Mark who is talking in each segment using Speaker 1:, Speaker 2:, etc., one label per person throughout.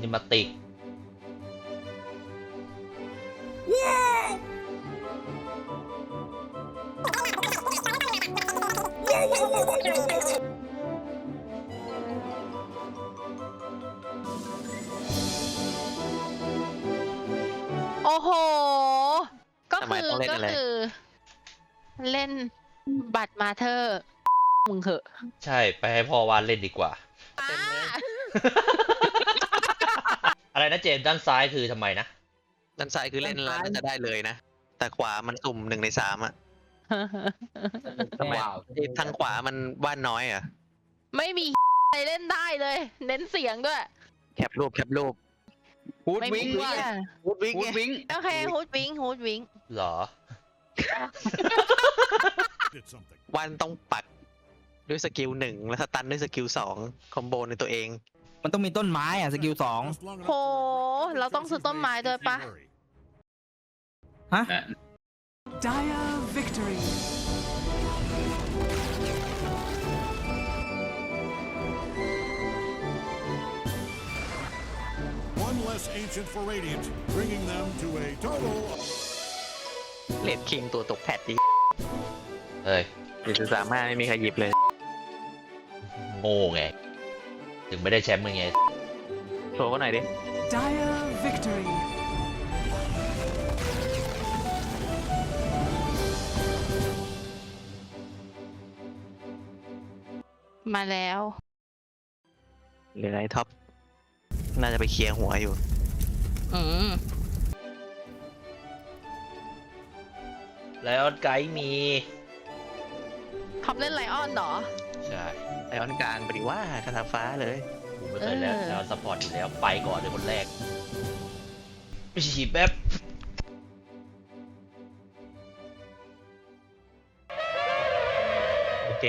Speaker 1: มาติก
Speaker 2: โอ้โหก็คือเล่นบัตรมาเธอมึงเหอะ
Speaker 1: ใช่ไปให้พ่อวานเล่นดีกว่าอะไรนะเจมส์ด้านซ้ายคือทำไมนะ
Speaker 3: ด้านซ้ายคือเล่นแล้วจะได้เลยนะแต่ขวามันสุ่ม1 ใน 3อ่ะทำไมทางขวามันบ้านน้อยอ่ะ
Speaker 2: ไม่มีใครเล่นได้เลย เน้นเสียงด้วย
Speaker 3: แคปรูปฮูดวิง
Speaker 2: โอเคฮูดวิง
Speaker 1: หรอ
Speaker 3: วันต้องปักด้วยสกิล1แล้วสตันด้วยสกิล2คอมโบในตัวเอง
Speaker 4: มันต้องมีต้นไม้อ่ะสกิล2
Speaker 2: โหเราต้องซื้อต้นไม้ด้วยปะ
Speaker 4: ฮะ
Speaker 5: Dire victory.
Speaker 6: One less ancient for Radiant, bringing them to a total.
Speaker 3: เลดคิงตัวตกแพทดี
Speaker 1: เฮ้ย
Speaker 3: 1.35ไม่มีใครหยิบเลย
Speaker 1: โง่ไงถึงไม่ได้แชมป์ไง
Speaker 3: โชว์กันหน่อยดิ
Speaker 5: Dire victory.
Speaker 2: มาแล้ว
Speaker 3: เหลือไอ้ท็อปน่าจะไปเคลียร์หัวอยู่
Speaker 1: แล้วไกด์มี
Speaker 2: ท็อปเล่นไลออนเหรอ
Speaker 1: ใช่
Speaker 3: ไอออนกลางไปดิว่าคาถาฟ้าเลย
Speaker 1: ผมไม่เคยแล้วซัพพอร์ตอยู่แล้วไปก่อนเลยคนแรกฉีดแป๊บ
Speaker 3: โอเค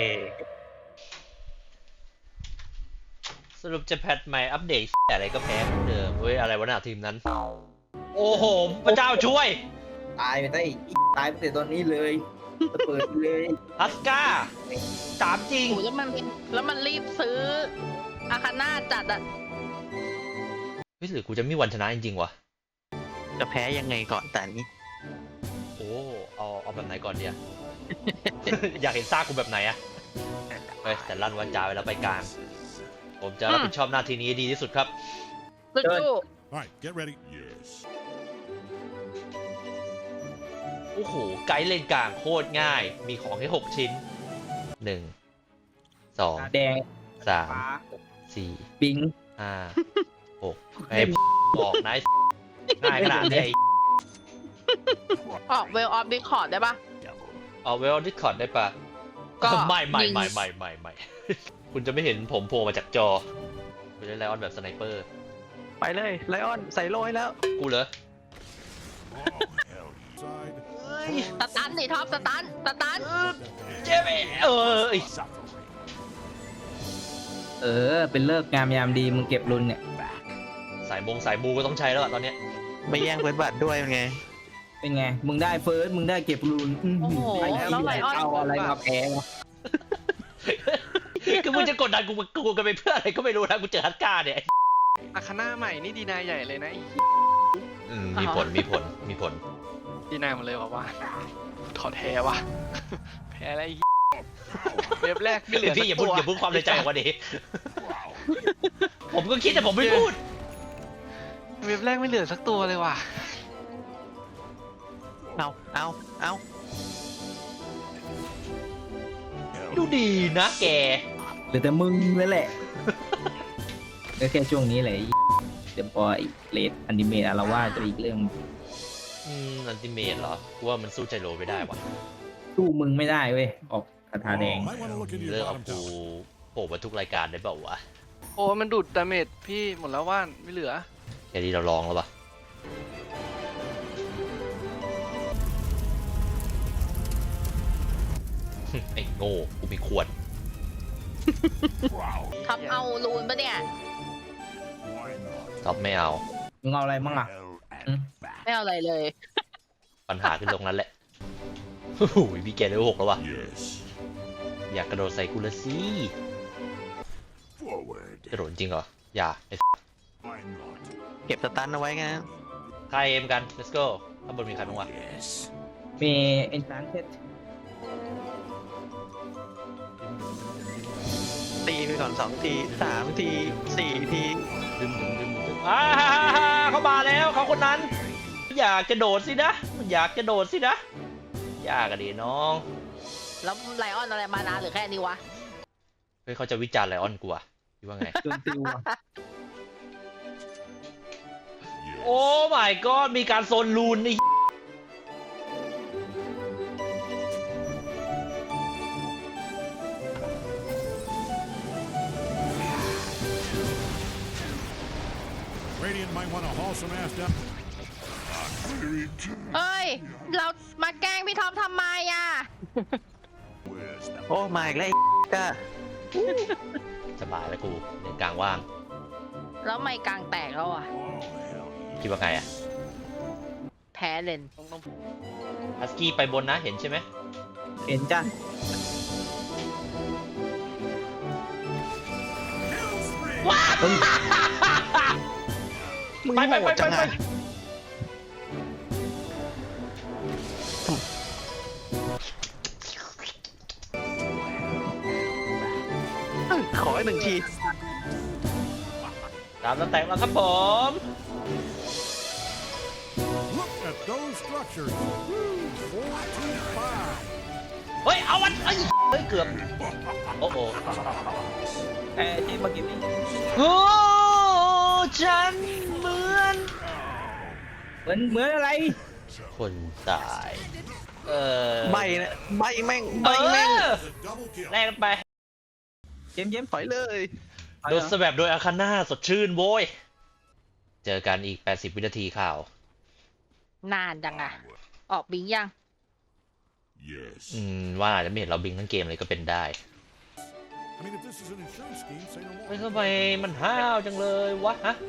Speaker 1: สรุปจะแพทใหม่อัปเดตอะไรก็แพ้เหมือนเดิมเว้ยอะไรวะหน้าทีมนั้นโอ้โหพระเจ้าช่วย
Speaker 4: ตายไปได้ตายไปแต่ตอนนี้เลยเปิดเลย
Speaker 1: ฮัสก้าถามจริง
Speaker 2: แล้วมันรีบซื้ออาคาน่าจัดอ่ะ
Speaker 1: เฮ้ยหรือกูจะมีวันชนะจริงๆวะ
Speaker 3: จะแพ้ยังไงก่อนแต่นี้
Speaker 1: โอ้เอาแบบไหนก่อนเนี่ย อยากเห็นซากกูแบบไหนอะเฮ้ยแต่ลั่นวาจาไปแล้วไปกลางผมจะรับผิดชอบหน้าที่นี้ดีที่สุดครับ
Speaker 6: Alright, get ready. Yes.
Speaker 1: โอ้โหไกด์เลนกลางโคตรง่ายมีของแค่6 ชิ้น1 2
Speaker 4: แดง
Speaker 1: 3 4
Speaker 4: ปิง
Speaker 1: 5 6ไอ้บอกนะง่ายขนาดนี้
Speaker 2: ออกเวลออฟดิคอร์ดได้ปะ
Speaker 1: ออกเวลดิสคอร์ดได้ปะก็ไม่คุณจะไม่เห็นผมโผล่มาจากจอคุณได้ไลออนแบบสไนเปอร์
Speaker 3: ไปเลยไลออนใส่โล่ให้แล้ว
Speaker 1: กูเหรอ
Speaker 2: สตันดิท็อปสตัน
Speaker 1: เจ๊
Speaker 4: เป็นเลิกงามยามดีมึงเก็บรุนเนี่ย
Speaker 1: สายบูก็ต้องใช้แล้วตอนเนี้ย
Speaker 3: ไม่แย่งเฟิร์สบัตรด้วยเป็นไง
Speaker 4: มึงได้เฟิร์สมึงได้เก็บรุน
Speaker 2: โอ้โหแล้วไลออน
Speaker 4: เอาอะไรมาแพ้
Speaker 1: คือมึงจะกดดันกูกันไปเพื่ออะไรก็ไม่รู้นะกูเจอฮัตก้าเนี่ย
Speaker 7: อาคาน่าใหม่นี่ดีนายใหญ่เลยนะ
Speaker 1: มีผล
Speaker 7: ดีนายหมดเลยว่าถอดแพ้ว่ะแพ้อะไรเว็บแรกไม่เหลือ
Speaker 1: พี่อย่าพูดความในใจออกมาดิผมก็คิดแต่ผมไม่พูด
Speaker 7: เว็บแรกไม่เหลือสักตัวเลยว่ะ
Speaker 3: เอา
Speaker 1: ดูดีนะแก
Speaker 4: หรือแต่มึงเลยแหละก็แค่ช่วงนี้แหละเดี๋ยวพอเลดอนิเมะเราว่าจะอีกเรื่อง
Speaker 1: อันติเมทเหรอว่ามันสู้ใจโรไม่ได้วะ
Speaker 4: สู้มึงไม่ได้เว้ยออกคาถาแดง
Speaker 1: เลิกเอากูโผล่มาทุกรายการได้เปล่าวะ
Speaker 7: โอ้มันดูดดาเมจพี่หมดแล้วว่านไม่เหลือ
Speaker 1: แค่นี้เราลองแล้วปะไอ้โง่กูมีขวด
Speaker 2: ท็อปเอาลูนปะเนี่ย
Speaker 1: ท็อปไม่เอา
Speaker 4: มึงเอาอะไรมั่งอ่ะ
Speaker 2: ไม่เอาอะไรเลย
Speaker 1: ปัญหาคือตรงนั้นแหละโอ้โหพี่แกเลเวล 6แล้ววะอยากกระโดดใส่กูละสิกระโดดจริงเหรออย่า
Speaker 3: เก็บสตันเอาไว้ไง
Speaker 1: ใครเอมกัน let's go ข้างบนมีใครบ้างวะ
Speaker 4: มีเอ็นชานเทส
Speaker 3: ตีไปก่อน2 ที3 ที 4 ที
Speaker 1: ดึงเขามาแล้วเขาคนนั้น อยากจะโดดสินะอยากจะโดดสินะยากอะดิน้อง
Speaker 2: แล้วไลออนอะไรมานานหรือแค่นี้วะ
Speaker 1: เฮ้ยเขาจะวิจารณ์ไลออนกูอะคิดว่าไง
Speaker 4: จนติวอะ
Speaker 1: โอ้ my god มีการโซนลูนนี่
Speaker 6: Radiant might want to haul some ass down.
Speaker 2: เอ้ย เรามาแกล้งพี่ท็อปทำไมอ่ะ
Speaker 3: โอ้มาอีกแล้วไอ้ก็
Speaker 1: สบายแล้วกูในกลางว่าง
Speaker 2: แล้วไม่กลางแตกแล้วอ่ะ
Speaker 1: คิดว่าไงอะ
Speaker 2: แพ้เลน
Speaker 1: ฮัสกี้ไปบนนะเห็นใช่ไหม
Speaker 4: เห็นจ้ะ
Speaker 3: มึง
Speaker 1: ไป
Speaker 3: โหดจังอะขออีก1 ที
Speaker 1: ตามสแต็กแล้วครับผม
Speaker 6: Look at those structures. 4-5.
Speaker 1: เฮ้ย เอาวันเฮ้ยเกือบ โอ้โห
Speaker 4: ที่เมื่อกี้นี่
Speaker 1: โอ้ฉันเหมือน
Speaker 4: เหมือนอะไร
Speaker 1: คนตาย
Speaker 3: ใบนะใบแม่งใบแม่ง
Speaker 6: Double kill.
Speaker 1: แลกกันไป
Speaker 4: เจมส์
Speaker 3: ถอยเลย
Speaker 1: โดนสแบดโดยอาคาน่าสดชื่นโว้ย เจอกันอีก 80 วินาทีข่าว
Speaker 2: นานจังอ่ะ ออกบิงยัง
Speaker 6: Yes.
Speaker 1: ว่าอาจจะไม่เห็นเราบิงทั้งเกมเลยก็เป็นได้
Speaker 6: I mean, if this is an insurance scheme, say no
Speaker 1: เฮ้ย
Speaker 6: more.
Speaker 1: ทำไมมันห้าวจังเลยวะฮะ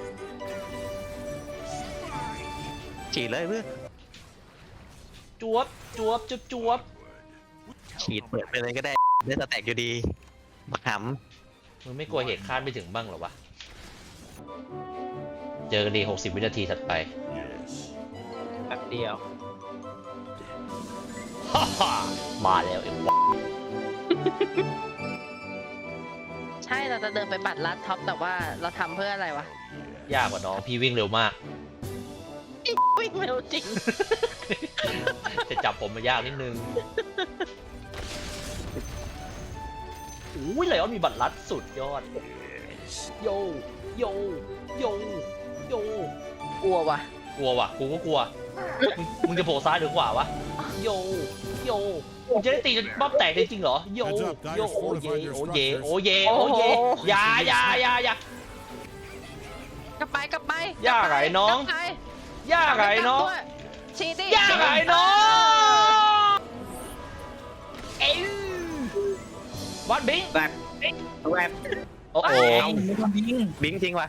Speaker 3: ฉีดเลยเพื่อน
Speaker 1: จวบจวบจวบจวบ
Speaker 3: ฉีดเปิดไปเลยก็ได้ได้สแต็กอยู่ดีบักห
Speaker 1: มึงไม่กลัวเหตุคาดไม่ถึงบ้างเหรอวะ เจอกันดี 60 วินาทีถัดไป
Speaker 6: Yes.
Speaker 4: แป๊บเดียว
Speaker 1: ฮ่าฮ่ามาแล้วเอ็มวะ
Speaker 2: ใช่เราจะเดินไปบัตรลัดท็อปแต่ว่าเราทำเพื่ออะไรวะ
Speaker 1: ยากกว่าน้อง พี่วิ่งเร็วมาก
Speaker 2: วิ่งเร็วจริง
Speaker 1: จะจับผมมายากนิดนึงอุ้ยไลออนมีบัตรลัดสุดยอด โย โย โย โย
Speaker 2: กลัววะ
Speaker 1: กลัวว่ะ กูก็กลัว มึงจะโผล่ซ้ายหรือขวาวะ โย โย มึงจะได้ตีจนป๊อบแตกจริงๆเหรอ โย โย โอเย โอเย โอเย โอเยอย่า
Speaker 2: กลับไปกลับไป
Speaker 1: ยากไงน้อง
Speaker 2: กลับไป
Speaker 1: ย่าไงน้อง
Speaker 2: กลับด้วยชีตี้
Speaker 1: ย่าไงน้องเอ้ยวัดบิง
Speaker 4: แบบแวบ
Speaker 1: โอ้โห
Speaker 4: เอาไม่ต้องยิง
Speaker 3: ำบิงทิ้งว่ะ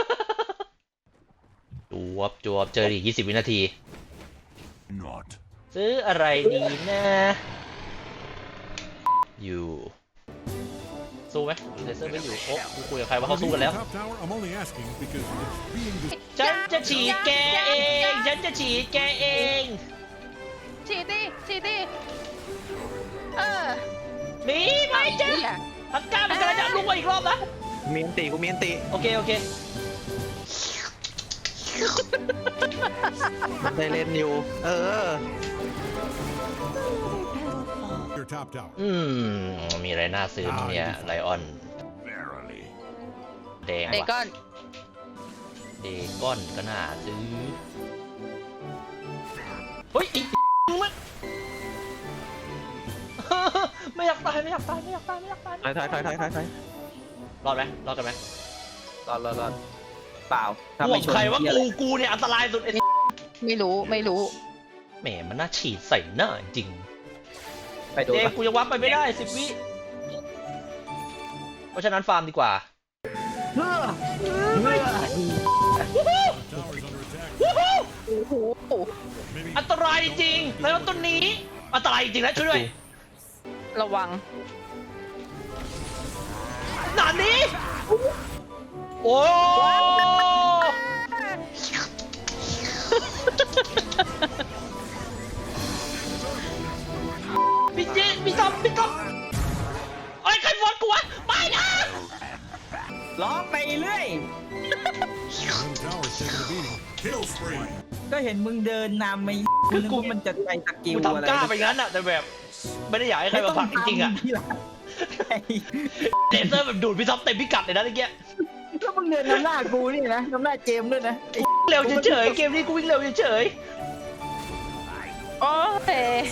Speaker 1: จวบเจออีก20 วินาที
Speaker 6: Not.
Speaker 1: ซื้ออะไรดีนะอยู่สู้ไหมเลเซอร์ไม่อยู่โอ้กูคุยกับใครว่าเขาสู้กันแล้ว
Speaker 6: Top tower, I'm only asking because it's being
Speaker 1: ฉันจะฉีดแกเองฉันจะฉีดแกเอง
Speaker 2: ชีตี้
Speaker 1: หนีไปจ้ะ
Speaker 2: เหี้ย
Speaker 1: พักก้ามันกำลังจะลุกมาอีกรอบนะ
Speaker 3: เมียนตีกูเมียนตี
Speaker 1: โอเค
Speaker 3: ได้เล่นอยู่ เออ
Speaker 6: your top tower.
Speaker 1: มีอะไรน่าซื้อมั้งเนี่ยไลออน
Speaker 6: Verily.
Speaker 1: แดง
Speaker 2: เด
Speaker 1: ว่ะ
Speaker 2: ก้อน
Speaker 1: เดก้อนก็น่าซื้อ เฮ้ยไอ้มึงมัน ไม่อยากตาย
Speaker 3: ถอย
Speaker 1: รอดไหมรอดกันไหม
Speaker 4: รอดเปล่าถ้า
Speaker 1: ห่ว
Speaker 4: ไม่
Speaker 1: ง
Speaker 4: ชน
Speaker 1: ใครว่า
Speaker 4: เหี้ย
Speaker 1: กูเนี่ยอันตรายสุดไอ้
Speaker 2: ไม่รู้
Speaker 1: แหมมันน่าฉีดใส่หน้าจริง
Speaker 4: ไปโดน
Speaker 1: เด
Speaker 4: ปะ
Speaker 1: กูยังวับไปไม่ได้10 วิ เพราะฉะนั้นฟาร์มดีกว่า
Speaker 6: Top tower's under attack.
Speaker 2: โอ้โห
Speaker 6: Maybe
Speaker 1: อันตรายจริงแล้วต้นนี้ อันตรายจริงนะช่วยด้วย
Speaker 2: ระวัง
Speaker 1: หนานี้โอ้พี่ก๊อฟไอ้ยใครฟอนกูวะไม่นะ
Speaker 4: ล้อไปเรื่อย
Speaker 6: Middle tower's taking a beating. Kill spree.
Speaker 4: ก็เห็นมึงเดินนำไม่กูนึกว่ามันจะไปสกิล
Speaker 1: กู
Speaker 4: อะไร
Speaker 1: ทำกล้าไปงั้นอะแต่แบบไม่ได้อยากให้ใครมาผลักจริงๆอะ
Speaker 4: ที่หลังไอ้
Speaker 1: เลเซอร์แบบดูดพี่ท็อปเต็มพิกัดเลยนะเมื่อกี้
Speaker 4: แล้วมึงเดินนำหน้ากูนี่นะนำหน้าเจมส์ด้วยนะไอ้
Speaker 1: เร็วเฉยๆเกมนี้กูวิ่งเร็วเฉย
Speaker 2: โอ้ย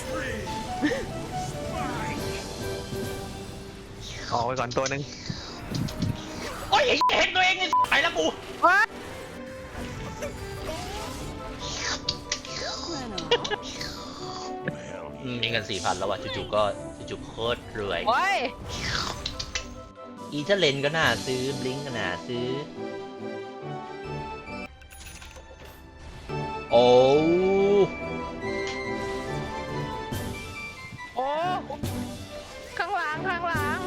Speaker 3: ออกไปก่อนตัวหนึ่ง
Speaker 1: ๆโอ้ยเห็นตัวเองไงไปแล้วกู
Speaker 2: ว้า
Speaker 1: มีเงิน 4,000 แล้วว่ะจู่ๆก็จู่ๆโคตรรวย
Speaker 2: โอ้ย
Speaker 1: อีเทเลนก็น่าซื้อบลิงก็น่าซื้อ โอ้
Speaker 2: โอ้ข้างหลังข้างหลัง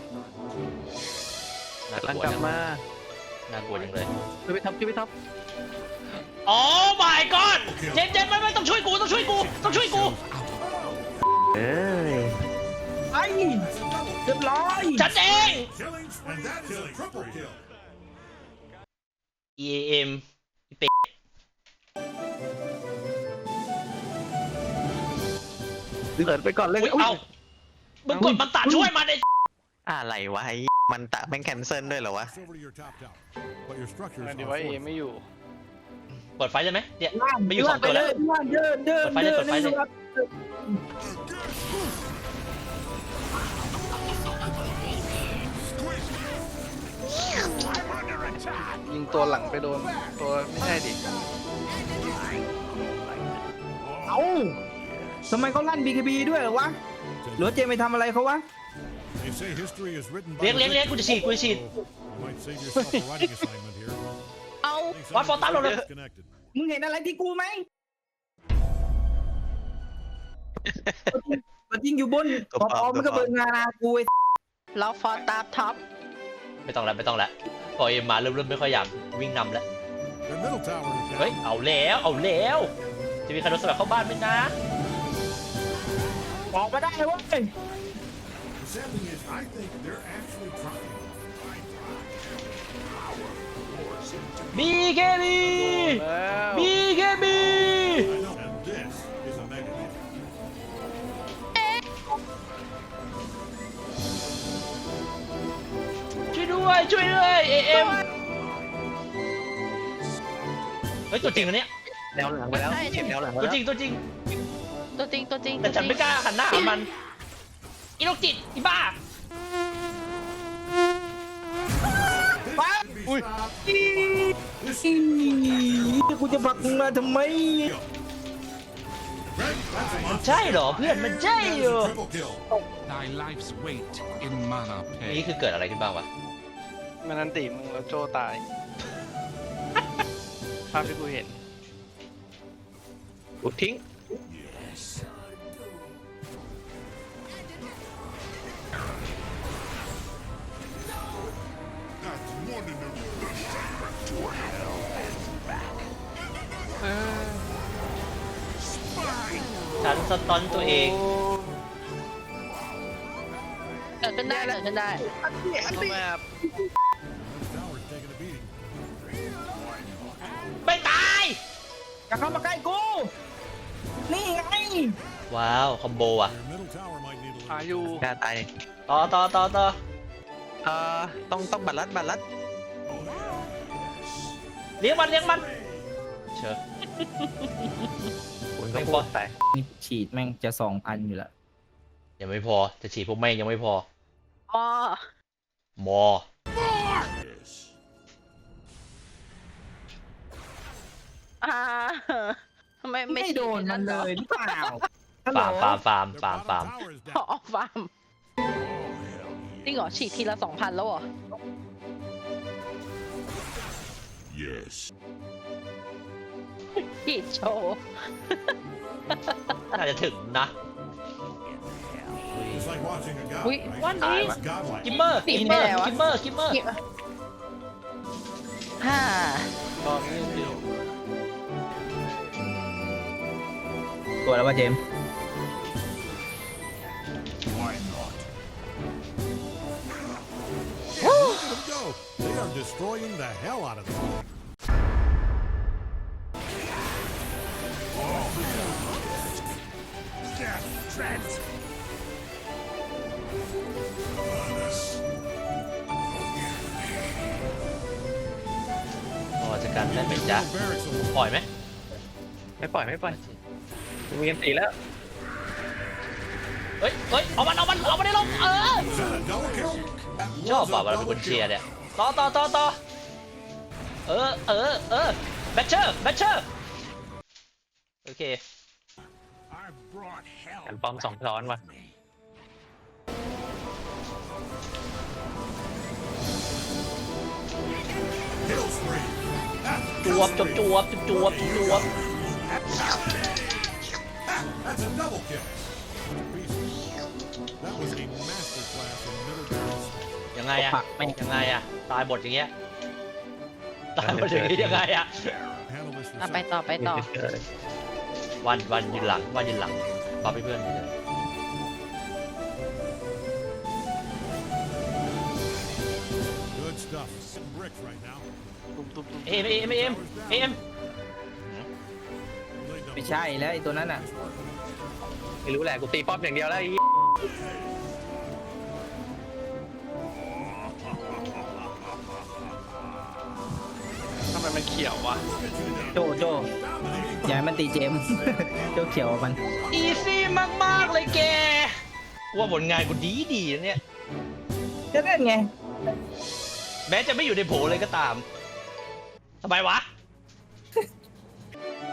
Speaker 1: น่าก
Speaker 3: ลัง
Speaker 1: ลัว
Speaker 3: กลับ
Speaker 1: จัง
Speaker 3: มา
Speaker 1: น่ากลัวจังเลย
Speaker 3: ช่วยพี่ท็อปช่วยพี่ท็อป
Speaker 1: โอ้ my god เจมไม่ต้องช่วยกูต้องช่วยกูต้องช่วยกู
Speaker 3: เอ้ย
Speaker 4: ไอ้เรียบร้อย
Speaker 1: ฉันเอง
Speaker 6: Killings, and that is a triple kill.
Speaker 1: EAM
Speaker 3: เปิดไปก่อนเลย
Speaker 1: อุ้ยเอ้ามึงกดมันตัดช่วยมันไอ้
Speaker 3: อะไรวะไอ้มันตะแม่งแคนเซิลด้วยเหรอวะ
Speaker 6: It's over to your top tower. But your structures
Speaker 7: นั่น
Speaker 6: are
Speaker 7: ดีว่าเอ
Speaker 6: fortified.
Speaker 7: ไม่อยู่
Speaker 1: เปิดไฟเลยไหมเนี่ย
Speaker 4: ล่าง
Speaker 1: ไม่อยู่สองตัวแล้ว
Speaker 4: ล่างเดินเดิน
Speaker 1: เปิดไฟเลยเปิดไฟเลย
Speaker 7: ยิงตัวหลังไปโดนตัวไม่ใช่ดิ
Speaker 4: เอ้าทำไมเขาลั่น BKB ด้วยเหรอวะหรือว่าเจมไปทำอะไรเขาวะ
Speaker 6: They say history is written by
Speaker 1: เลี้ยง
Speaker 6: the
Speaker 1: เลี้ยงเลี้ยงกูจะฉีดกูจะฉีด
Speaker 6: victor, so you might save yourself a writing assignment here.
Speaker 2: เอา
Speaker 6: Thanks,
Speaker 1: What for
Speaker 6: I'm
Speaker 1: that, Lord?
Speaker 6: disconnected.
Speaker 4: มึงเห็นอะไรที่กูไหมตัวจริงอยู่บน
Speaker 3: ตัว
Speaker 4: ป
Speaker 3: ปลอม
Speaker 4: อมันก็
Speaker 3: ตัวปลอม
Speaker 4: เบิกงานกูไอ้
Speaker 2: เราฟอร์ตามท็อป
Speaker 1: ไม่ต้องแล้วไม่ต้องแล้วพอเอ็มมาเริ่มไม่ค่อยอยากวิ่งนำแล้ว
Speaker 6: Their middle tower is down.
Speaker 1: เฮ้ยเอาแล้วเอาแล้วจะมีใครโดนสลับเข้าบ้านไหมนะ
Speaker 4: ออกมาได้เว้ย
Speaker 6: The sad thing is, I think they're actually trying.
Speaker 1: บีเคบี
Speaker 7: แล้ว
Speaker 1: บีเคบี
Speaker 6: I know. And this is a mega hit.
Speaker 1: ช่วยด้วยช่วยด้วยเอ็มเฮ้ยตัวจริงอันเนี้ย
Speaker 3: แนวหลังไปแล้วเก็บแนวหลังไป
Speaker 1: ตัว
Speaker 3: แล้ว
Speaker 1: จริงตัวจริง
Speaker 2: ตัวจริงตัวจริง
Speaker 1: แต่ฉันไม่กล้าหันหน้าหามันอีโรคจิตอีบ้า
Speaker 4: ปั๊บอุ้ยกูจะผลักมึงมาทำไม
Speaker 6: Greg, that's a monster.
Speaker 1: ใช่เหรอเพื่อนมันใช่เหรอ
Speaker 6: Triple kill.
Speaker 8: Thy life's weight in mana
Speaker 1: นี่
Speaker 8: pay.
Speaker 1: คือเกิดอะไรขึ้นบ้างวะ
Speaker 7: มันนันติมึงแล้วโจตาย ภาพที่กูเห็น
Speaker 3: อุดทิ้ง
Speaker 1: ฉันสตอนตัวเอง
Speaker 2: เกิดขึ้นได้เกิดขึ้นได้
Speaker 7: เอาแบบ
Speaker 6: Tower's taking a beating.
Speaker 1: ไม่ตาย
Speaker 4: อย่าเข้ามาใกล้กู นี่ไง
Speaker 1: ว้าวคอมโบอ่ะ
Speaker 6: Your middle tower might need a
Speaker 7: หา
Speaker 6: little.
Speaker 7: อยู่
Speaker 3: กล้าตาย
Speaker 1: ต่อ
Speaker 3: ต้องบัตรลัดบัตรลัด
Speaker 1: เลี้ยงมันเชิญ
Speaker 3: คุณ
Speaker 1: ไม่
Speaker 3: ก็
Speaker 1: พอ
Speaker 3: พูดไป
Speaker 4: นี่ฉีดแม่งจะ 2,000 อยู่แล้ว
Speaker 1: ยังไม่พอจะฉีดพวกแม่งยังไม่พอ
Speaker 2: อ๋อ
Speaker 1: มอ
Speaker 2: อ่าทำไมไม่
Speaker 4: ไม่โดนมันเลยหรือเปล่าฮัลโหล
Speaker 1: ฟาร์ม
Speaker 6: Their bottom tower is
Speaker 2: อ๋อ
Speaker 6: down.
Speaker 2: ฟาร์มจริงเหรอฉีดทีละ 2,000 แล้วเหรอ
Speaker 6: Yes.
Speaker 2: ฉีดโชว์
Speaker 1: น่าจะถึงนะ
Speaker 6: It's like watching a god.
Speaker 2: Wait,
Speaker 6: right?
Speaker 2: what is-
Speaker 6: It's godlike.
Speaker 1: กิมเมอร์
Speaker 2: ปิดไปแล้วอะ
Speaker 1: กิมเมอร์
Speaker 2: ฮ่า
Speaker 7: ตอนนี้ดิ
Speaker 4: ตัวแล้วว่าเจมส์
Speaker 6: are destroying the hell out of them. Death Trent.
Speaker 1: พอจะกันได้ไหมจ๊ะ
Speaker 6: Barracks of
Speaker 1: ปล่อยไหม
Speaker 3: ไม่ปล่อยไม่ปล่อยมีกันตีแล้ว
Speaker 1: เฮ้ยเฮ้ยเอามันได้ลง
Speaker 6: Was that a double kill? That
Speaker 1: ชอบ
Speaker 6: was
Speaker 1: ป่ะ
Speaker 6: a
Speaker 1: เวลาเป็น
Speaker 6: double
Speaker 1: คนเชียร์
Speaker 6: kill.
Speaker 1: เนี่ยต่อแบทเชอร์โอเค
Speaker 6: I've brought hell.
Speaker 3: กันป้อมสองซ้อนว่ะ
Speaker 6: Kill spree.
Speaker 1: จวบ
Speaker 6: That's a double kill. That was a masterclass in military.
Speaker 1: ยังไงอะ
Speaker 4: ปักไม่
Speaker 1: ยังไงอะตายบทอย่างเงี้ยตายบทอย่างงี้ยังไงอะ
Speaker 6: Handle this
Speaker 2: อ่ะไป
Speaker 6: yourself.
Speaker 2: ต่อ
Speaker 1: วันยืนหลังบัฟให้เพื่อนเลย
Speaker 6: Good stuff. Some bricks right now.
Speaker 7: ตุ้ม
Speaker 1: เอ็ม
Speaker 6: Laid down
Speaker 4: ไม่ใช่แล้วไอ้ตัวนั้นอ่ะ
Speaker 3: ไม่รู้แหละกูตีป้อมอย่างเดียวแล้วไอ้
Speaker 7: ทำไมมันเขียววะ
Speaker 4: โจอย่าให้มันตีเจมส์ โจเขียวมัน
Speaker 1: อีซี่มากๆเลยแกว่าผลงานกูดีนะเนี่ย
Speaker 4: ก็นั่นไง
Speaker 1: แม้จะไม่อยู่ในโผเลยก็ตามทำไมวะ